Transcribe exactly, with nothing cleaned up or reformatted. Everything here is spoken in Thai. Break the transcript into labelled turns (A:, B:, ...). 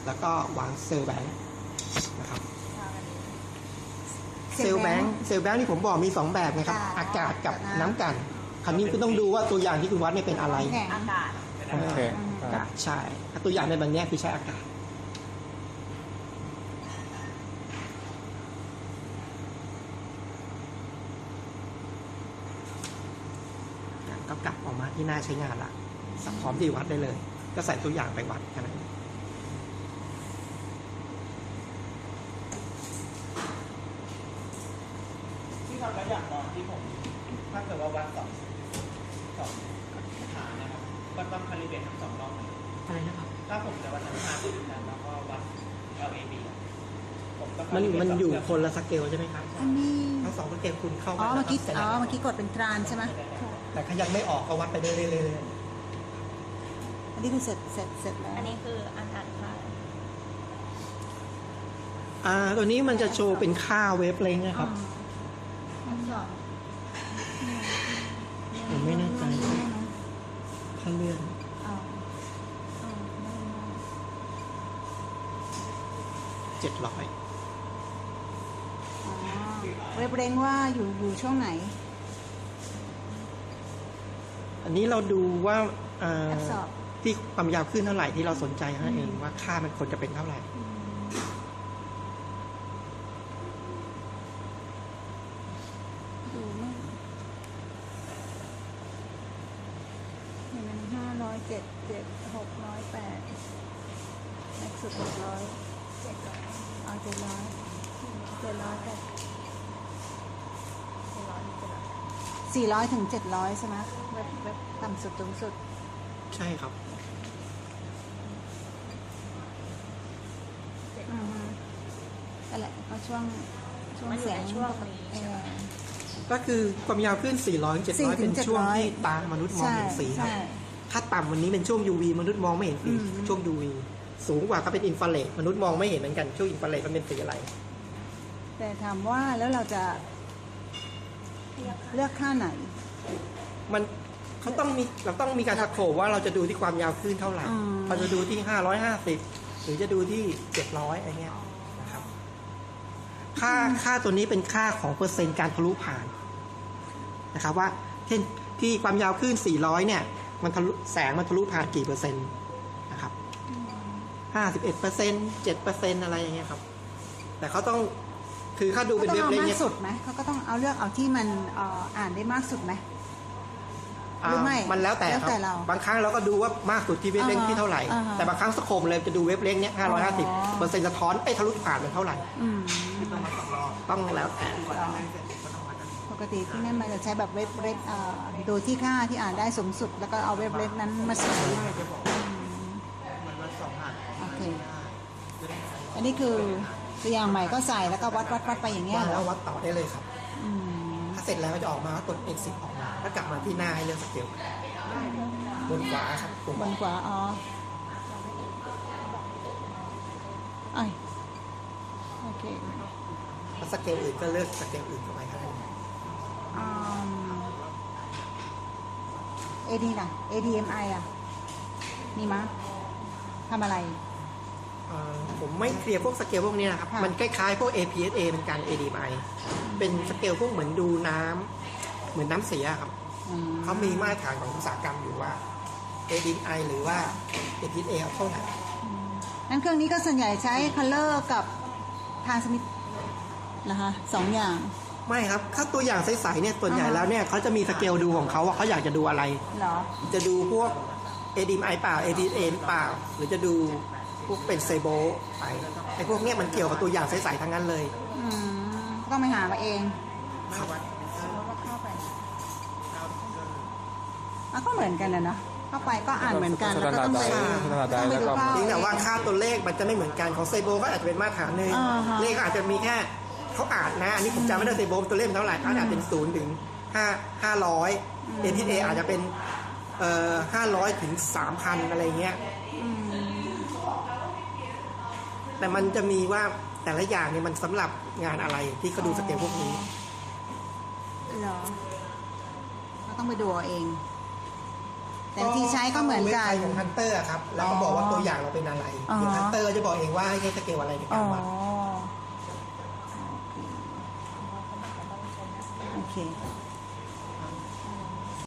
A: แล้วก็วางเซลล์แบงค์นะครับเซลล์แบงค์เซลล์แบงค์ที่ผมบอกมีสองแบบนะครับอากาศกับน้ำกันคราวนี้คุณต้องดูว่าตัวอย่างที่คุณวัดเนี่ยเป็นอะไร
B: อากาศ
C: โอเค
A: อากาศใช่ถ้าตัวอย่างในแบบนี้คือใช้อากาศก็กลับออกมาที่หน้าใช้งานละสับพร้อมที่วัดได้เลยก็ใส่ตัวอย่างไปวัดแค่นั้น
D: ที่ทำแล้วอย่างตอนที่ผมถ้าเกิดว่าวัดสองสองฐานนะครับก็ต้องคาลิเบรตทั้งสองรอบเลย
A: อะไรนะครับ
D: ถ้าผมจะวัดทั้งฐานแล้วก็วัด แอล เอ บี ผมต้อง
A: มันมันอยู่คนละสเกลใช่ไหมครับ
B: อันนี้
A: ทั้งสองสเกลคุณเข้า
B: อ๋อเมื่อกี้อ๋อเมื่อกี้กดเป็นตรานใช่ไหม
A: แต่ถ้ายังไม่ออกก็วัดไปเรื่อยๆ
B: อันนี้คือเสร็จเสร็จเสร็จแล้ว
C: อันนี้คืออันอ่านค่า
A: อ่าตัวนี้มันจะโชว์เป็นค่าเวฟเลงนะครับผมไม่แน่ใจถ้าเลื่อนเจ็ดร้อย
B: เวฟเลงว่าอยู่อยู่ช่วงไหน
A: อันนี้เราดูว่าที่ความยาวขึ้นเท่าไหร่ที่เราสนใจนั่นเองว่าค่ามันควรจะเป็นเท่าไหร่
B: ดูไม่เห็นมันห้าร้อยเจ็ดเจ็ดหกร้อยแปดแม็กซ์สุดหกร้อยเจ็ดร้อยเอาเจ็ดร้อยเจ็ดร้อยแปดสี่ร้อยถึงเจ็ดร้อยใช่ไหมเว็บเว็บต่ำสุดสูงสุด
A: ใช่ครับ
B: อืมนั่นแหละก็ช่วงช่วงเสียง
C: ช่วงนี้
A: ก็คือความยาวขึ้นสี่ร้อย เจ็ดร้อยเป็นช่วงที่ตามนุษย์มองเห็นสีครับถ้าต่ำวันนี้เป็นช่วง ยู วี มนุษย์มองไม่เห็นสีช่วง ยู วี สูงกว่าก็เป็นอินฟราเรดมนุษย์มองไม่เห็นเหมือนกันช่วงอินฟราเรดมันเป็นสีอะไร
B: แต่ถามว่าแล้วเราจะเลือกค่าไหน
A: มันเขาต้องมีเราต้องมีการสโคปว่าเราจะดูที่ความยาวคลื่นเท่าไหร่เราจะดูที่ห้าร้อยห้าสิบหรือจะดูที่เจ็ดร้อยอะไรเงี้ยนะครับค่าค่าตัวนี้เป็นค่าของเปอร์เซ็นต์การทะลุผ่านนะครับว่าเช่นที่ความยาวคลื่นสี่ร้อยเนี่ยมันทะลุแสงมันทะลุผ่านกี่เปอร์เซ็นต์นะครับห้าสิบเอ็ดเปอร์เซ็นต์เจ็ดเปอร์เซ็นต์อะไรอย่างเงี้ยครับแต่เขาต้องคือเขาดูเป็นเว็บเลนเนี่ย
B: สุดไหมเขาก็ต้องเอาเลือกเอาที่มันอ่านได้มากสุดไหมหรือไม่
A: มันแล้วแต่ครับบางครั้งเราก็ดูว่ามากสุดที่เว็บเลนที่เท่าไหร่แต่บางครั้งสโคปเลยจะดูเว็บเลนเนี้ยห้าร้อยห้าสิบเปอร์เซ็นต์สะท้อนไอ้ทะลุผ่านมันเท่าไหร่ต้องแล้วแต่
B: ปกติที่นั่นมันจะใช้แบบเว็บเลนดูที่ค่าที่อ่านได้สูงสุดแล้วก็เอาเว็บเลนนั้นมาใส่โอเคอันนี้คือตัวอย่างใหม่ก็ใส่แล้วก็วัดวัดวัดไปอย่างเงี้ย
A: แล้ววัดต่อได้เลยครับถ้าเสร็จแล้วจะออกมากด เอ็กซิท ออกมาแล้วกลับมาที่หน้าให้เลือกสเกลบนขวาครับ
B: บนขวาอ๋อไอโอเค
A: ถ้าสเกลอื่นก็เลือกสเกลอื่นเข้าไปครับ
B: อืม เอ ดี น่ะ เอ ดี เอ็ม ไอ อ่ะมีมั้ยทำอะไร
A: ผมไม่เคลียร์พวกสเกลพวกนี้นะครับมันคล้ายๆพวก เอ พี เอส เอ เป็นการ เอ ดี ไอ เป็นสเกลพวกเหมือนดูน้ำเหมือนน้ำเสียครับเขามีมาตรฐานของอุตสาหกรรมอยู่ว่า เอ ดี ไอ หรือว่า เอ พี เอส เอ เท่าไหร่
B: นั้นเครื่องนี้ก็ส่วนใหญ่ใช้ color กับทรานสมิทนะคะสองอย่าง
A: ไม่ครับถ้าตัวอย่างใสๆเนี่ยส่วนใหญ่แล้วเนี่ยเขาจะมีสเกลดูของเขาว่าเขาอยากจะดูอะไร
B: เหรอ
A: จะดูพวก เอ ดี ไอ เปล่า เอ พี เอส เอ เปล่าหรือจะดูพวกเป็นเซโบไปไอ้พวกเนี้ยมันเกี่ยวกับตัวอย่างใสๆทั้งนั้นเลย
B: อืมต้องไปหามาเอง
A: ครับ
B: เข้าไปมันก็เหมือนกันนะเนาะเข้าไปก็อ่านเหมือนกันแล้วก็ต้องไป
A: ต้องไปดูจริงแต่ว่าค่าตัวเลขมันจะไม่เหมือนกันของเซโบก็อาจจะเป็นมาตรฐานหนึ่งเลขอาจจะมีแค่เขาอ่านนะอันนี้ผมจำไม่ได้เซโบตัวเลขเท่าไหร่อาจจะเป็นศูนย์ถึงห้าห้าร้อยเอ พี เอ อาจจะเป็นเอ่อห้าร้อยถึงสามพันอะไรเงี้ยแต่มันจะมีว่าแต่ละอย่างเนี่ยมันสำหรับงานอะไรที่เขาดูสเกลพวกนี้
B: เหรอเราต้องไปดูเองแต่วิธีใช้ก็เหมือนกัน
A: เว็บไซต์ของฮันเตอร์ครับ แล้วก็บอกว่าตัวอย่างเราเป็นอะไร
B: อ๋อ
A: เดี๋ยวฮันเตอร์จะบอกเองว่าให้ใช้สเกลอะไรใน
B: อ๋
A: กา
B: อ
A: รวัด
B: โอเค